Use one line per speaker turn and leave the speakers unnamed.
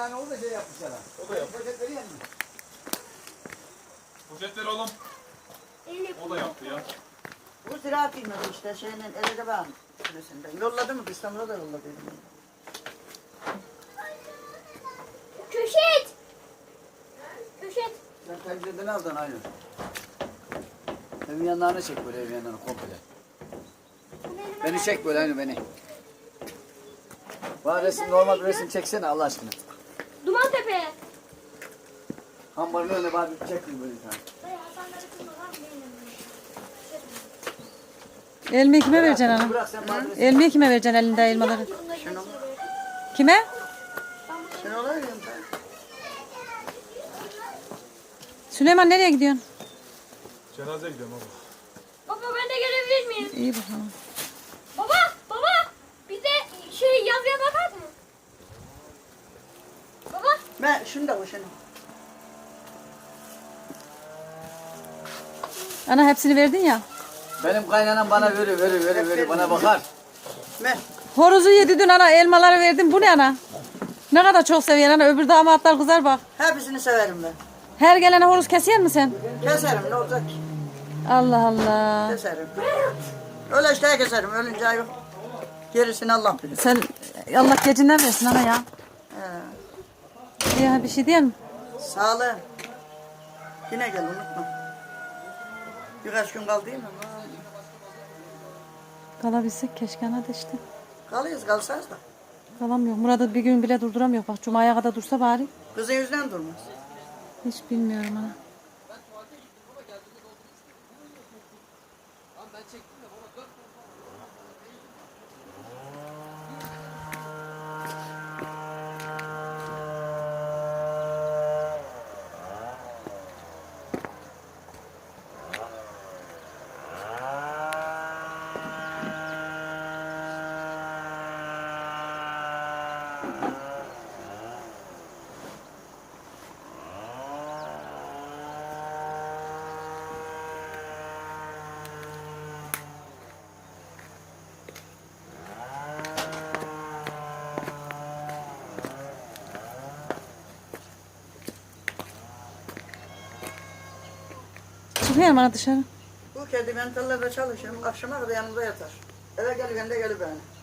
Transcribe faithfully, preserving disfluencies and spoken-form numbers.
tane oldu şey yapmışlar.
O da yaptı.
Poşetleri yendi.
Poşetleri oğlum. O da yaptı ya.
Bu ziraat ilmedi işte şeyinin elde ben süresinden. Yolladı mı? İstanbul'a da yolladı.
Köşet. Köşet.
Sen pencereden aldın aynı. Evin yanlarını çek böyle, evin yanlarını komple. Beni çek böyle aynı beni. Bana resim, normal bir resim çeksene Allah aşkına.
Dumantepe.
Hambarın önüne bana bir çek böyle bir tane.
Elmayı kime vereceksin ana?
Bırak sen bana resim.
Elmayı kime vereceksin elinde elmaları? Kime?
Sen olayım ben.
Süleyman nereye gidiyorsun?
Cenazeye gidiyorum baba.
Baba ben de gelebilir miyim?
İyi bakalım.
Baba baba bize şey yazıya bakar mı? Baba.
Ben şunu da bu şunu.
Ana hepsini verdin ya.
Benim kaynanam bana veriyor, veriyor, veriyor, veriyor. Bana bakar.
Ben.
Horozu yedi dün ana elmaları verdim. Bu ne ana? Ne kadar çok seviyor ana. Öbür damatlar kızar bak.
Hepsini severim ben.
Her gelene horoz kesiyor musun sen?
Keserim ne olacak ki?
Allah Allah.
Keserim. Öyle işte keserim. Ölünce yok. Gerisini Allah bilir.
Sen Allah gecinden versin ana ya.
He.
Ya bir şey diyeyim mi?
Sağlığın. Yine gel unutma. Birkaç gün kaldı değil mi?
Kalabilsek keşke ana da işte.
Kalıyız kalsayız da.
Kalamıyor. Murat'ı bir gün bile durduramıyor. Bak Cuma'ya kadar dursa bari.
Kızın yüzünden durmaz.
Hiç bilmiyorum ana. Çıkıyor mu ana dışarı?
Bu kedi mentallarda çalışır. Akşama kadar yanımda yatar. Eve gelirken de gelir beni.